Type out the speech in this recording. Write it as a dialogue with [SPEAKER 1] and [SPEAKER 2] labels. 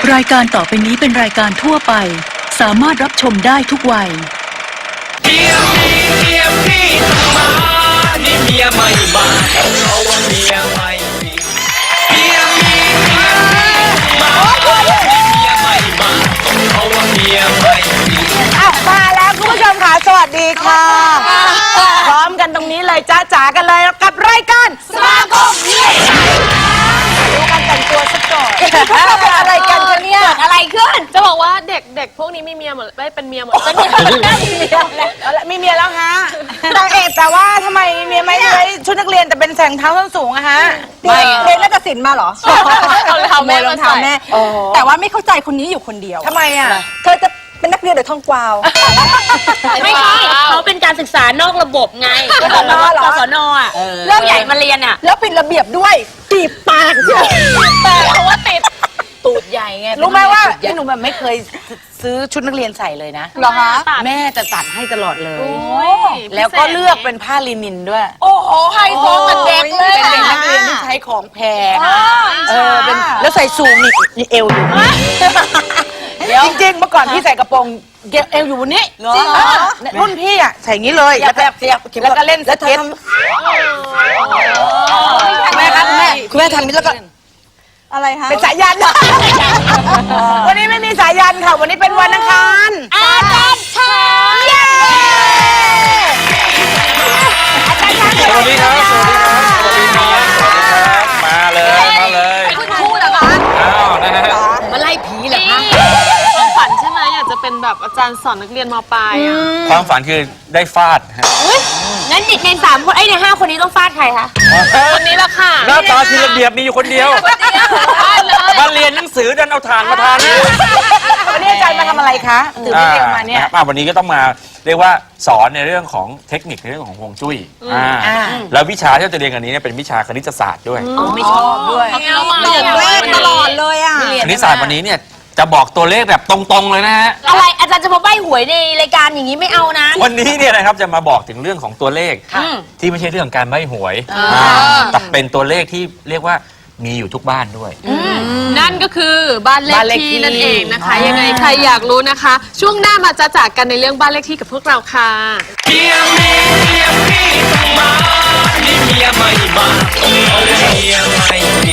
[SPEAKER 1] รายการต่อไปนี้เป็นรายการทั่วไปสามารถรับชมได้ทุกวัย
[SPEAKER 2] เมียพี่ต้องมานี่เมียไม่มาเพราะว่าเมียไม่มีเมียมานี่เมียไม่มาเพราะว่าเมียไม่มี
[SPEAKER 3] มาแล้วคุณผู้ชมค่ะสวัสดีค่ะพร้อมกันตรงนี้เลยจ้าจ๋ากันเลยกับรายการสมาคมเมียดูกันแต่งตัวสักก่อนพวกเราเป็นอะไรกันคะเนี่ยเกิดอะไรขึ้น
[SPEAKER 4] จะบอกว่าเด็กพวกนี้มีเมียหมดไม่เป็นเมียหมดเป็น
[SPEAKER 3] มีเมียแล้วฮะนางเอกแต่ว่าทำไมเมียไม่ใช้ชุดนักเรียนแต่เป็นแสงเท้าส้นสูงอะฮะ
[SPEAKER 5] ไม่เรียนนาฏศิลป์มาเหรอ
[SPEAKER 4] เอารองเท้าแม่มาใส่
[SPEAKER 5] แต่ว่าไม่เข้าใจคนนี้อยู่คนเดียว
[SPEAKER 3] ทำไมอะ
[SPEAKER 5] เธอจะเป็นนักเรียนหรือทองกวาว
[SPEAKER 6] ไม่ใช่เขาเป็นการศึกษานอกระบบไงกศนอ่ะเริ่มใหญ่มาเรียนอ่ะ
[SPEAKER 5] แล้วปิดระเบียบด้วยตีปาก
[SPEAKER 4] แต่เพราะว่าติด
[SPEAKER 6] ตูดใหญ่ไง
[SPEAKER 3] รู้ไหมว่าพี่หนูแบบไม่เคยซื้อชุดนักเรียนใส่เลยนะ
[SPEAKER 5] เหรอคะ
[SPEAKER 3] แม่จะตัดให้ตลอดเลยแล้วก็เลือกเป็นผ้าลินินด้วย
[SPEAKER 5] โอ้โหไฮโซเหมือนเด็กเลย
[SPEAKER 3] เป็นเด็กนักเรียนที่ใช้ของแพงเป็นแล้วใส่สูงนี่เอวอยู่จริงๆเมื่อก่อนพี่ใส่กระโปรงเอวอยู่บนนี้จริงรุ่นพี่อ่ะใส่อย่างนี้เลยแล้วก็เล่นสเก็ตแม่ครับคุณแม่ทำนี้แล้วก็
[SPEAKER 5] อะไรคะ
[SPEAKER 3] เป็นสายยันวันนี้ไม่มีสายยันค่ะวันนี้เป็นวันอังคาร
[SPEAKER 6] อาจารย์ช้าง
[SPEAKER 2] สวัสดีครับมาเลย
[SPEAKER 6] คุณครูเหรอคะ
[SPEAKER 2] อ้าวนะฮะ
[SPEAKER 6] มาไล่ผีเหรอคะ
[SPEAKER 4] ความฝันใช่ไหมอยากจะเป็นแบบอาจารย์สอนนักเรียนม.ปลายอ่ะ
[SPEAKER 2] ความฝันคือได้ฟาด
[SPEAKER 6] งั้นเด็กใน3 คนใน5 คนนี้ต้องฟาดใครคะ
[SPEAKER 4] คนนี้แหละค่ะ
[SPEAKER 2] หน้าตาทีระเบียบมีอยู่คนเดียวมาเรียนหนังสือดันเอาถ่านมาทาน
[SPEAKER 3] วันนี้อาจารย์มาทำอะไรคะตื่นเต้นมาเนี่ย
[SPEAKER 2] วันนี้ก็ต้องมาเรียกว่าสอนในเรื่องของเทคนิคในเรื่องของฮวงจุ้ยแล้ววิชาที่เราจะเรียนกันนี้เป็นวิชาคณิตศาสตร์ด้วย
[SPEAKER 3] ไม่ชอบด้วย
[SPEAKER 5] ตลอดเลยอ่ะ
[SPEAKER 2] คณิตศาสตร์วันนี้เนี่ยจะบอกตัวเลขแบบตรงๆเลยนะฮะ
[SPEAKER 6] อะไรอาจารย์จะมาใบ้หวยในรายการอย่างนี้ไม่เอานะ
[SPEAKER 2] วันนี้เนี่ยนะครับจะมาบอกถึงเรื่องของตัวเลขที่ไม่ใช่เรื่องการใบ้หวยแต่เป็นตัวเลขที่เรียกว่ามีอยู่ทุกบ้านด้วย
[SPEAKER 4] นั่นก็คือบ้านเลขที่นั่นเองนะคะยังไงใครอยากรู้นะคะช่วงหน้ามาจะจากกันในเรื่องบ้านเลขที่กับพวกเราค่ะ
[SPEAKER 2] เมียพี่ต้องมานี่เมียไม่มาเมียไม่